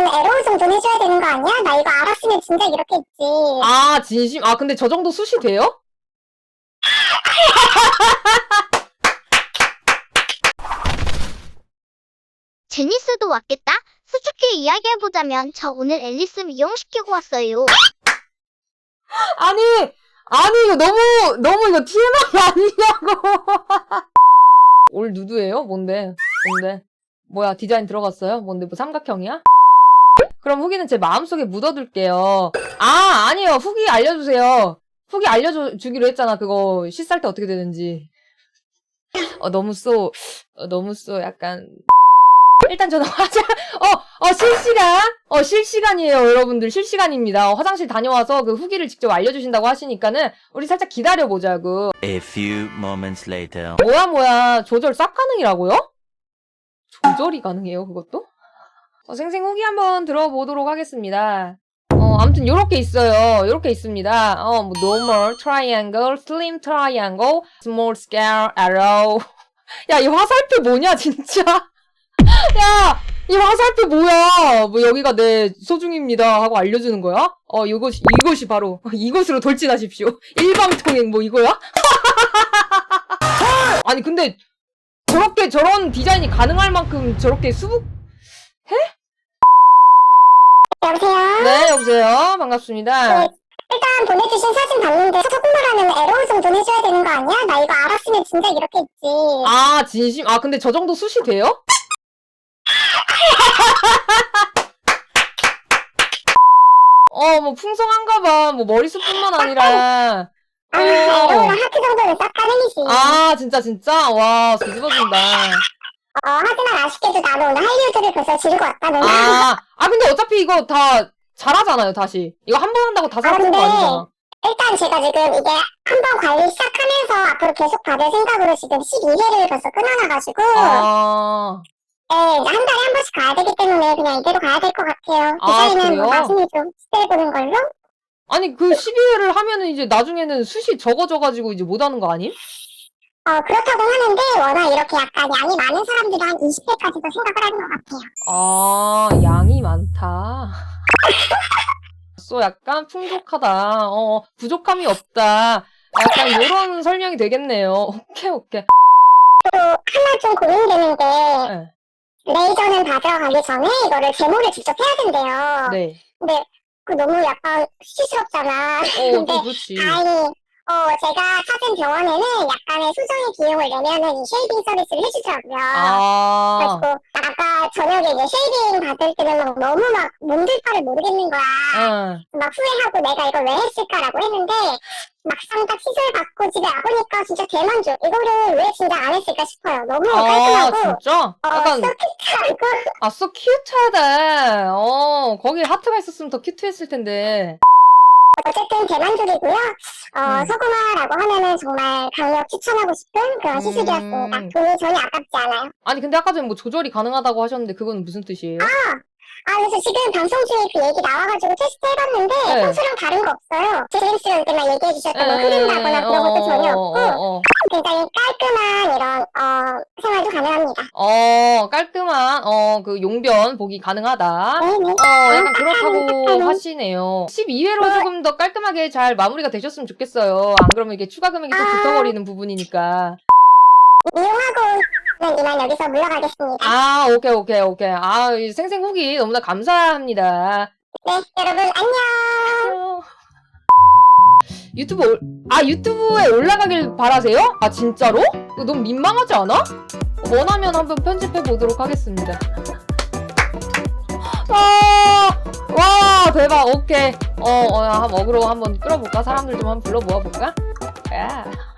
에러 정도는 해줘야 되는 거 아니야? 나 이거 알았으면 진작 이렇게 했지. 아, 진심? 아, 근데 저 정도 숱이 돼요? 제니스도 왔겠다? 수수께 이야기해보자면 저 오늘 앨리스 미용시키고 왔어요. 아니, 이거 너무 이거 TMI 아니냐고. 올 누드예요? 뭔데? 뭐야, 디자인 들어갔어요? 뭔데, 뭐 삼각형이야? 그럼 후기는 제 마음속에 묻어둘게요. 아, 아니에요. 후기 알려주세요. 후기 알려주기로 했잖아. 그거 씻을 때 어떻게 되는지. 너무 약간. 일단 저는 실시간이에요, 여러분들. 실시간입니다. 화장실 다녀와서 그 후기를 직접 알려주신다고 하시니까는 우리 살짝 기다려보자고. A few moments later. 뭐야. 조절 싹 가능이라고요? 조절이 가능해요, 그것도? 생생 후기 한번 들어보도록 하겠습니다. 아무튼 요렇게 있어요. 요렇게 있습니다. 뭐 normal, triangle, slim triangle, small scale, arrow. 야, 이 화살표 뭐냐, 진짜? 야, 이 화살표 뭐야? 뭐 여기가 내 소중입니다 하고 알려주는 거야? 이것이 바로 이것으로 돌진하십시오. 일방통행 뭐 이거야? 아니 근데 저런 디자인이 가능할 만큼 저렇게 수북해? 여보세요? 네, 여보세요. 반갑습니다. 네, 일단 보내주신 사진 봤는데 조금만 하면 에러 정도는 해줘야 되는 거 아니야? 나 이거 알았으면 진작 이렇게 했지. 아, 진심? 아, 근데 저 정도 숱이 돼요? 뭐 풍성한가 봐. 뭐 머리숱뿐만 아니라. 에러랑 하트 정도는 싹 가능이지. 아, 진짜? 와, 뒤집어진다. 하지만 아쉽게도 나도 오늘 할리우드를 벌써 지르고 왔다는 거. 근데 어차피 이거 다 잘하잖아요, 다시. 이거 한 번 한다고 다 잘하는 거 근데 아니잖아. 일단 제가 지금 이게 한 번 관리 시작하면서 앞으로 계속 받을 생각으로 지금 12회를 벌써 끊어놔가지고 이제 한 달에 한 번씩 가야 되기 때문에 그냥 이대로 가야 될 것 같아요. 디자인은 그래요? 나중에 좀 시도해보는 걸로? 아니, 그 12회를 하면은 이제 나중에는 숱이 적어져가지고 이제 못하는 거 아님? 그렇다고 하는데 워낙 이렇게 약간 양이 많은 사람들이 한 20회까지도 생각을 하는 것 같아요. 양이 많다. 약간 풍족하다. 부족함이 없다. 약간 요런 설명이 되겠네요. 오케이. 또 하나 좀 고민되는 게 네. 레이저는 받으러 가기 전에 이거를 제모를 직접 해야 된대요. 네. 근데 그 너무 약간 수치스럽잖아. 근데 그렇지. 다행히 제가 찾은 병원에는 약간의 수정의 비용을 내면은 이 쉐이빙 서비스를 해주더라고요. 그래가지고 아까 저녁에 이제 쉐이빙 받을 때는 막 너무 막 몸둘 바를 모르겠는 거야. 막 후회하고 내가 이걸 왜 했을까라고 했는데 막상 딱 시술 받고 집에 와보니까 진짜 대만족. 이거를 왜 진짜 안 했을까 싶어요. 너무 깔끔하고. 진짜? 약간 큐트하고. so 큐트하다. 거기에 하트가 있었으면 더 큐트했을 텐데. 어쨌든 대만족이고요. 서구마라고 하면은 정말 강력 추천하고 싶은 그런 시술이었습니다. 돈이 전혀 아깝지 않아요. 아니 근데 아까 전에 뭐 조절이 가능하다고 하셨는데 그건 무슨 뜻이에요? 그래서 지금 방송 중에 그 얘기 나와가지고 테스트 해봤는데 네. 평소랑 다른 거 없어요. 제임스랑 그때만 얘기해주셨던 뭐 흐린다거나 그런 것도 전혀 없고 굉장히 깔끔한 이런 생활도 가능합니다. 깔끔한 그 용변 보기 가능하다. 네네. 약간 그렇다고 하시네요. 12회로 조금 더 깔끔하게 잘 마무리가 되셨으면 좋겠어요. 안 그러면 이게 추가 금액이 또 붙어버리는 부분이니까. 이용하고 이만 여기서 물러가겠습니다. 오케이. 이 생생 후기 너무나 감사합니다. 네, 여러분 안녕. 유튜브에 올라가길 바라세요? 진짜로? 이거 너무 민망하지 않아? 원하면 한번 편집해 보도록 하겠습니다. 와, 대박. 오케이. 한번 어그로 한번 끌어볼까? 사람들 좀 한번 불러 모아볼까? 야.